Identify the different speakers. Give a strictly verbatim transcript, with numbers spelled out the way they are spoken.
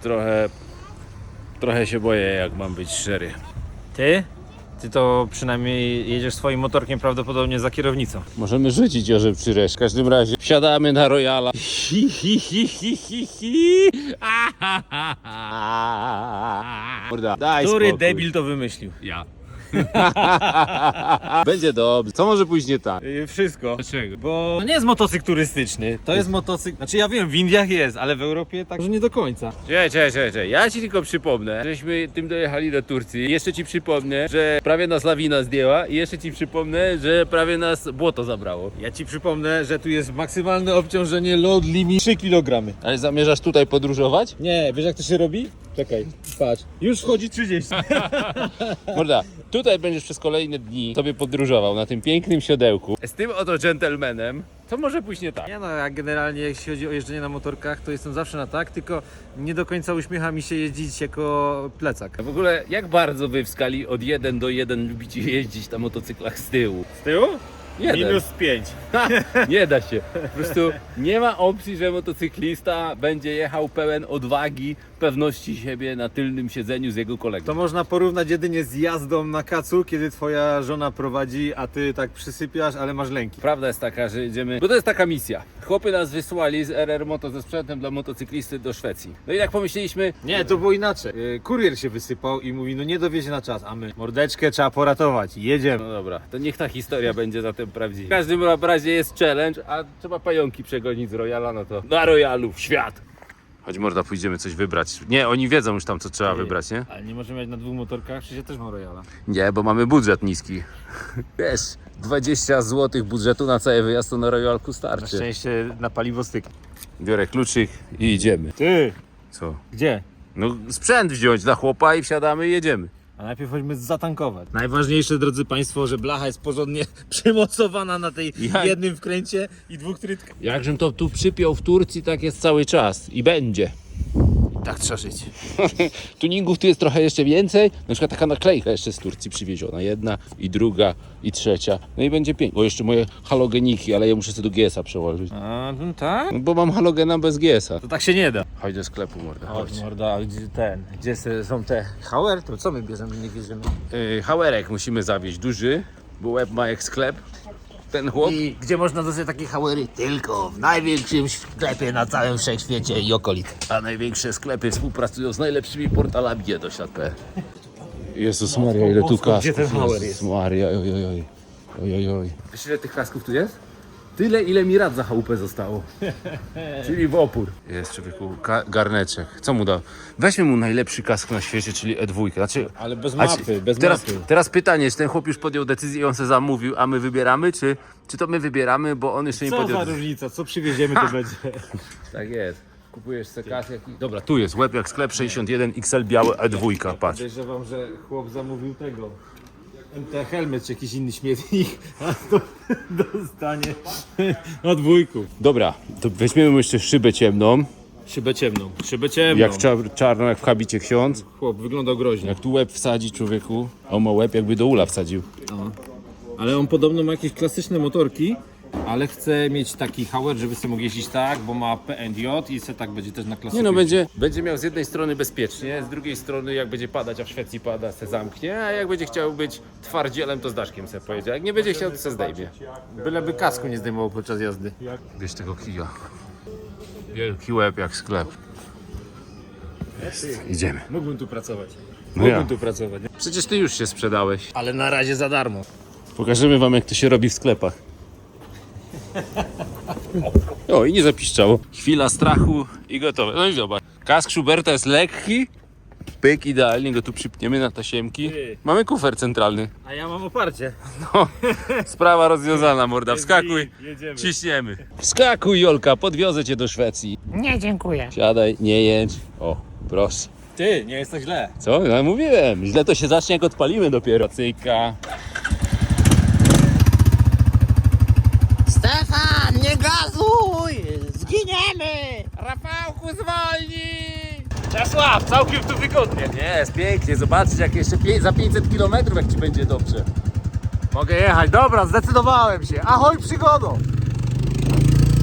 Speaker 1: trochę, trochę się boję, jak mam być szczery.
Speaker 2: Ty? Ty to przynajmniej jedziesz swoim motorkiem prawdopodobnie za kierownicą.
Speaker 1: Możemy rzucić orze przy reszcie. W każdym razie wsiadamy na Royala. Hi, hi, hi, hi, hi, hi. Morda, daj
Speaker 2: Który
Speaker 1: spokój.
Speaker 2: debil to wymyślił?
Speaker 1: Ja. Będzie dobrze. Co może pójść nie tak?
Speaker 2: Yy, wszystko.
Speaker 1: Dlaczego?
Speaker 2: Bo to nie jest motocykl turystyczny, to jest motocykl... Znaczy ja wiem, w Indiach jest, ale w Europie tak, że nie do końca.
Speaker 1: Czekaj, czekaj, czekaj. Ja ci tylko przypomnę, żeśmy tym dojechali do Turcji. Jeszcze ci przypomnę, że prawie nas lawina zdjęła i jeszcze ci przypomnę, że prawie nas błoto zabrało.
Speaker 2: Ja ci przypomnę, że tu jest maksymalne obciążenie load limit trzy kilogramy.
Speaker 1: Ale zamierzasz tutaj podróżować?
Speaker 2: Nie, wiesz jak to się robi? Czekaj, patrz. Już wchodzi trzydzieści.
Speaker 1: Morda, tutaj będziesz przez kolejne dni sobie podróżował na tym pięknym siodełku. Z tym oto dżentelmenem, to może pójść nie tak.
Speaker 2: Nie no, ja generalnie jeśli chodzi o jeżdżenie na motorkach, to jestem zawsze na tak, tylko nie do końca uśmiecha mi się jeździć jako plecak.
Speaker 1: W ogóle, jak bardzo wy w skali od jeden do jeden lubicie jeździć na motocyklach z tyłu?
Speaker 2: Z tyłu?
Speaker 1: Jeden.
Speaker 2: Minus pięć.
Speaker 1: Ha, nie da się. Po prostu nie ma opcji, że motocyklista będzie jechał pełen odwagi, pewności siebie na tylnym siedzeniu z jego kolegą.
Speaker 2: To można porównać jedynie z jazdą na kacu, kiedy twoja żona prowadzi, a ty tak przysypiasz, ale masz lęki.
Speaker 1: Prawda jest taka, że jedziemy, bo to jest taka misja. Chłopy nas wysłali z R R Moto ze sprzętem dla motocyklisty do Szwecji. No i jak pomyśleliśmy,
Speaker 2: Nie, to było inaczej. Yy, Kurier się wysypał i mówi, no nie dowiezie na czas, a my mordeczkę trzeba poratować, jedziemy.
Speaker 1: no dobra, to niech ta historia będzie zatem prawdziwa. W każdym razie jest challenge, a trzeba pająki przegonić z Royala, no to na Royalu w świat. Chodź morda, pójdziemy coś wybrać. Nie, oni wiedzą już tam, co trzeba wybrać, nie?
Speaker 2: Ale nie możemy jechać na dwóch motorkach, przecież ja też mam Royala.
Speaker 1: Nie, bo mamy budżet niski. Wiesz, dwadzieścia złotych budżetu na cały wyjazd to na Royalku
Speaker 2: Na
Speaker 1: starczy.
Speaker 2: szczęście na paliwo styk.
Speaker 1: Biorę kluczyk i idziemy.
Speaker 2: Ty,
Speaker 1: Co?
Speaker 2: gdzie?
Speaker 1: No sprzęt wziąć dla chłopa i wsiadamy i jedziemy.
Speaker 2: A najpierw chodźmy zatankować. Najważniejsze, drodzy Państwo, że blacha jest porządnie przymocowana na tej
Speaker 1: Jak?
Speaker 2: jednym wkręcie i dwóch trytkach.
Speaker 1: Jakżem to tu przypiął w Turcji, tak jest cały czas i będzie.
Speaker 2: Tak trzeba żyć.
Speaker 1: Tuningów tu jest trochę jeszcze więcej. Na przykład taka naklejka jeszcze z Turcji przywieziona. Jedna i druga i trzecia. No i będzie pięknie. Bo jeszcze moje halogeniki, ale ja muszę sobie do G S a przełożyć.
Speaker 2: A, no tak?
Speaker 1: No bo mam halogena bez G S a.
Speaker 2: To tak się nie da.
Speaker 1: Chodź do sklepu, morda. Chodź.
Speaker 2: Chodź morda, a gdzie ten, gdzie se- są te Hauer? To co my bierzemy, nie bierzemy?
Speaker 1: Yy, hałerek musimy zawieźć duży, bo łeb ma jak sklep. Ten chłop.
Speaker 2: I gdzie można dostać takie Hauery? Tylko w największym sklepie na całym wszechświecie i okolicy.
Speaker 1: A największe sklepy współpracują z najlepszymi portalami G doślad kropka p l. Jezus Maria, ile tu kasków.
Speaker 2: Gdzie ten Hauer jest?
Speaker 1: Jezus Maria, oj, oj, oj. Oj, oj, oj. Wiesz ile tych kasków tu jest? Tyle, ile mi rad za chałupę zostało. Czyli w opór. Jest człowieku ka- garneczek. Co mu da? Weźmy mu najlepszy kask na świecie, czyli E dwa. Znaczy,
Speaker 2: Ale bez
Speaker 1: a
Speaker 2: mapy,
Speaker 1: ci-
Speaker 2: bez
Speaker 1: teraz,
Speaker 2: mapy.
Speaker 1: teraz pytanie, czy ten chłop już podjął decyzję i on se zamówił, a my wybieramy, czy, czy to my wybieramy, bo on jeszcze nie
Speaker 2: Co
Speaker 1: podjął
Speaker 2: za
Speaker 1: decyzji.
Speaker 2: różnica, co przywieziemy to będzie.
Speaker 1: Tak jest. Kupujesz se kask jaki... Dobra, tu jest łeb jak sklep sześćdziesiąt jeden X L białe E dwa, patrz.
Speaker 2: Podejrzewam, że chłop zamówił tego. M T Helmet czy jakiś inny śmietnik, a to dostanie od wujków.
Speaker 1: Dobra, to weźmiemy mu jeszcze szybę ciemną,
Speaker 2: Szybę ciemną, szybę ciemną.
Speaker 1: jak czar- czarną, jak w habicie ksiądz.
Speaker 2: Chłop wyglądał groźnie.
Speaker 1: Jak tu łeb wsadzi człowieku, a on ma łeb jakby do ula wsadził.
Speaker 2: Ale on podobno ma jakieś klasyczne motorki, ale chce mieć taki Hauer, żeby sobie mógł jeździć tak, bo ma P N J i se tak będzie też na klasyce.
Speaker 1: Nie no, będzie, będzie miał z jednej strony bezpiecznie, z drugiej strony jak będzie padać, a w Szwecji pada, se zamknie, a jak będzie chciał być twardzielem, to z daszkiem se pojedzie, a jak nie będzie chciał, to se zdejmie.
Speaker 2: Byleby kasku nie zdejmował podczas jazdy.
Speaker 1: Bierz tego kija. Wielki łeb jak sklep. Jest, idziemy.
Speaker 2: Mógłbym tu pracować.
Speaker 1: No
Speaker 2: Mógłbym
Speaker 1: ja.
Speaker 2: tu pracować. Nie?
Speaker 1: Przecież ty już się sprzedałeś.
Speaker 2: Ale na razie za darmo.
Speaker 1: Pokażemy wam, jak to się robi w sklepach. O, i nie zapiszczało. Chwila strachu i gotowe. No i zobacz. Kask Schuberta jest lekki. Pyk, idealnie go tu przypniemy na tasiemki.
Speaker 2: Ty.
Speaker 1: Mamy kufer centralny.
Speaker 2: A ja mam oparcie.
Speaker 1: No, sprawa rozwiązana, morda. Wskakuj,
Speaker 2: Jedziemy.
Speaker 1: ciśniemy. Wskakuj, Jolka, podwiozę cię do Szwecji.
Speaker 3: Nie, dziękuję.
Speaker 1: Siadaj, nie jedź. O, proszę.
Speaker 2: Ty, nie jest tak źle.
Speaker 1: Co? No mówiłem. Źle to się zacznie, jak odpalimy dopiero. Cyka.
Speaker 3: Stefan, nie gazuj! Zginiemy!
Speaker 1: Rafałku, zwolnij!
Speaker 2: Czesław, całkiem tu wygodnie.
Speaker 1: Nie, jest pięknie. Zobaczcie, jak jeszcze pie- za pięćset kilometrów, jak ci będzie dobrze.
Speaker 2: Mogę jechać, dobra, zdecydowałem się. Ahoj przygodo!